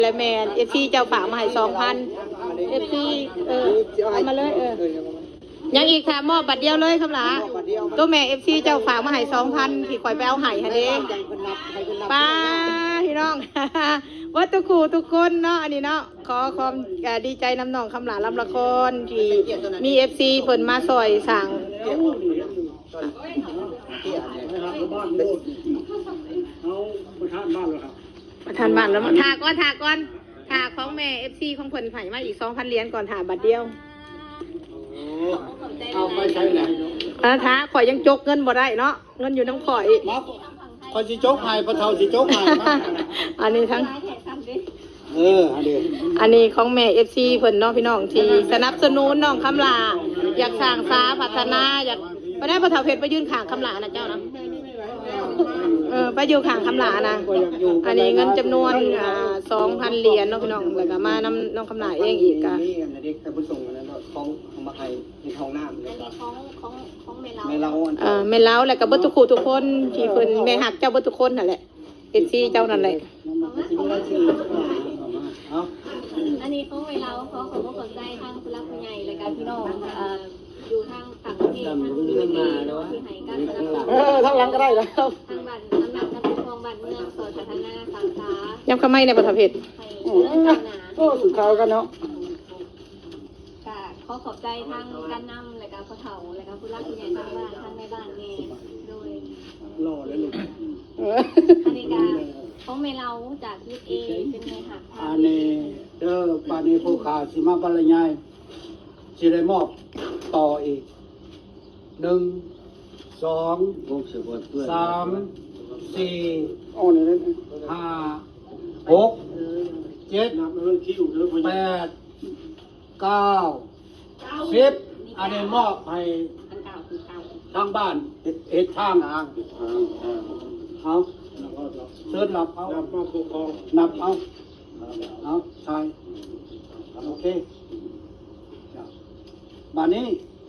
และแมนFCเจ้าฝากมาให้2,000 FC เอามาเลยยังอีกค่ะมอบบัตรเดียวเลยคำหลาตัวแม่ FC เจ้าฝากมาให้2,000ที่ข่อยไปเอาให้ค่ะเด้ป้าพี่น้อง วัตถุกูทุกคนเนาะอันนี้เนาะขอความดีใจน้ำน้องคำหลาลำละครที่มี FC เพิ่นมาซอยสั่งประธานบ้านแล้วถาก่อนถาของแม่ FC ของเพิ่นไผ่มาอีก 2,000 เหรียญก่อนถาบัตรเดียวเอาไปใช้แหละท้าข่อยยังจกเงินบ่ได้เนาะเงินอยู่น้ำข่อยคอยสิโจ๊กให้พระเฒ่าสิโจ๊กให้อันนี้ทั้งอันนี้ของแม่ FC เพิ่นเนาะพี่น้องที่สนับสนุนน้องคำลาอยากสร้างสาพัฒนาอยากไปได้พระเฒ่าเพชรไปยื่นข้างคำลานะเจ้านะไปอยู่ข้างคำลานะอันนี้เงินจำนวน2,000 เหรียญเนาะพี่น้องแล้วก็มานำน้องคำลาเองอีกก็นี่อันนี้แต่ผู้ส่งอันนั้นของมาให้ในท้องน้ำเลยของแม่เล้าแม่เล้าแล้วก็เบิดทุกคู่ทุกคนที่เพิ่นแม่ฮักเจ้าเบิดทุกคนนั่นแหละFCเจ้านั่นแหละอันนี้ของเวลาเขาขอบคุณใจทางผู้รักผู้ใหญ่รายการพี่น้องอยู่ทางต่างประเทศทางเมืองมาที่ให้การสนับสนุนทางหลังก็ได้แล้วทางบ้านน้ำหนักน้ำทองบ้านเมืองสอนพัฒนาสาขาย้ำคำไม่ในประเทศโอ้สุดเขากันเนาะขอขอบใจทางการนำรายการพ่อเฒ่ารายการผู้รักผู้ใหญ่ทางบ้านทางในบ้านเองโดยรอแล้วลูกอันนี้การของเมลาจากยุทธเอเป็นไงหักอันนี้ปานีผู้ขาสิมาบรรยายสิได้มอบต่ออีก1 2 3 4 5 6 7 8 9 10อันนี้มอบให้ทางบ้านเฮ็ดทางเอาเชิญหลับเอานับเอาใช่โอเคบ้านนี้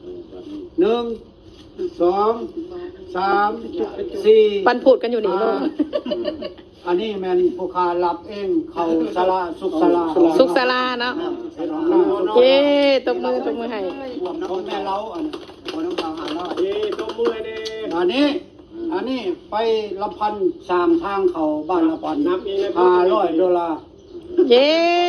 1 2 3 4 ปันพูดกันอยู่นี่ลูกอันนี้แม่นผู้ค้ารับเองเขาศาลาสุขศาลาเนาะเย้ตบมือให้ของแม่เล้าอันของน้องสาวหาเนาะเย้ตบมือเด้อันนี้ไปละพัน3ทางเขาบ้านละพัน$500 เย้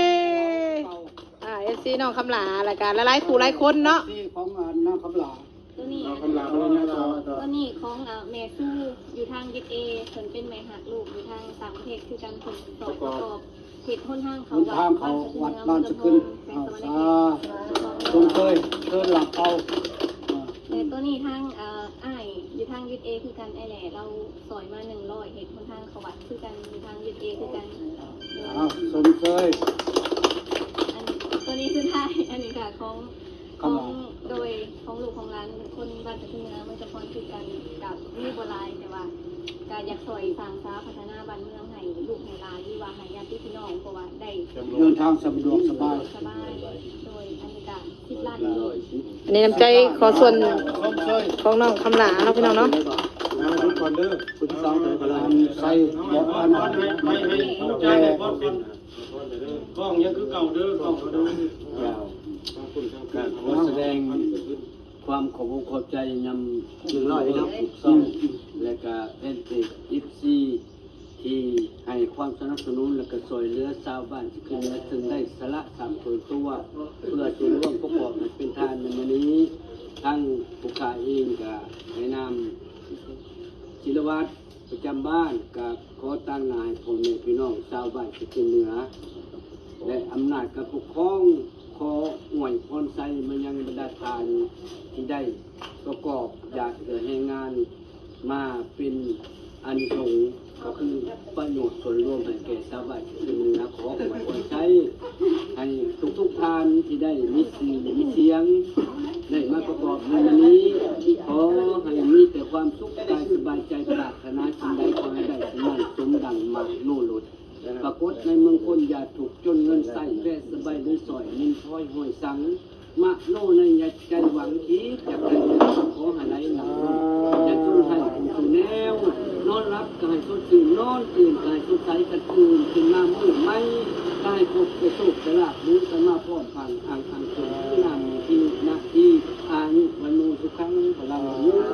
FC น้องคำลารายการหลายคู่หลายคนเนาะของน้องคำลาตัวนี้ของแม่สู้อยู่ทางยึดเอส่วนเป็นแม่หักลูกอยู่ทางต่างประเทศคือการผลสอบประกอบเหตุพ้นห้างเขาวัดบ้านสกุลตรงเคยเชิญหลับเอาแต่ตัวนี้ทางอ้ายอยู่ทางยึดเอคือกันไอ้แหล่เราสอยมา100เหตุพ้นห้างเขาวัดคือกันอยู่ทางยึดเอคือกันสมเคยตัวนี้คือไทยอันนี้ค่ะของโดยของลูกของร้านคนบ้านตะกี้นะมันจะพรคือกันกับมีโบราณแต่ว่าการอยากซอยสร้างสาพัฒนาบ้านเมืองให้ลูกให้หลานหรือว่าให้ญาติพี่น้องเพราะว่าได้เดินทางสะดวกสบายโดยอันนี้การ10 ล้านอันนี้น้ำใจขอส่วนของน้องคำหลาเนาะพี่น้องเนาะทุกคนเด้อคุณสาวแต่ละใส่บอกอันไม่แก่กล้องยังคือเก่าเด้อกล้องเด้อขอแสดงความขอบใจยำ100นะถูกต้องและก็เป็นติด14ที่ให้ความสนับสนุนและก็ช่วยเหลือชาวบ้านที่ขึ้นมาถึงได้สละตัวเพื่อจุดร่วมประกอบเป็นทานในวันนี้ทั้งผู้ขายเองกับในนามศิลวัฒน์ประจำบ้านกับขอตั้งนายพ่อแม่พี่น้องชาวบ้านที่ขึ้นเหนือและอำนาจกับปกครองขอหน่วยพรไซมันยังบรรดาทานที่ได้ประกอบอยากเกิดให้งานมาเป็นอันสงก็คือประโยชน์ส่วนรวมให้แก่ชาวบ้านที่เป็นนักขอหน่วยพรไซให้ทุกทานที่ได้มีเสียงได้มาประกอบในวันนี้ขอให้มีแต่ความสุขกายสบายใจปรารถนาสิ่งใดขอให้ได้สมหวังสมดังมาโน่นปรากฏในเมืองคนอย่าถูกจนเงินใส่แว่สบายด้วยสอยนินท้อยห้อยสังมะโน่ในอย่าใจหวังคิดจากใจขอหาไรหนักอย่าทุ่งให้สู่แนวนอนรับก็ให้สดชื่นนอนตื่นก็ให้สดใสกันคืนขึ้นมามืดไหมได้พบไปสุขสละบุญสมาพร้อมพันอังคืนที่นำที่นาที่อายุมนุสุขังพลังยุทธ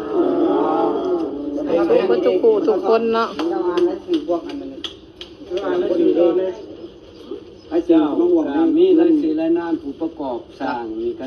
ทุกคู่ทุกคนเนาะเจ้าอ่านแล้วสี่พวกอันนั้นอ่านแล้วสี่ตอนเลยไอ้เจ้ามีและสี่และนานผู้ประกอบสร้างมี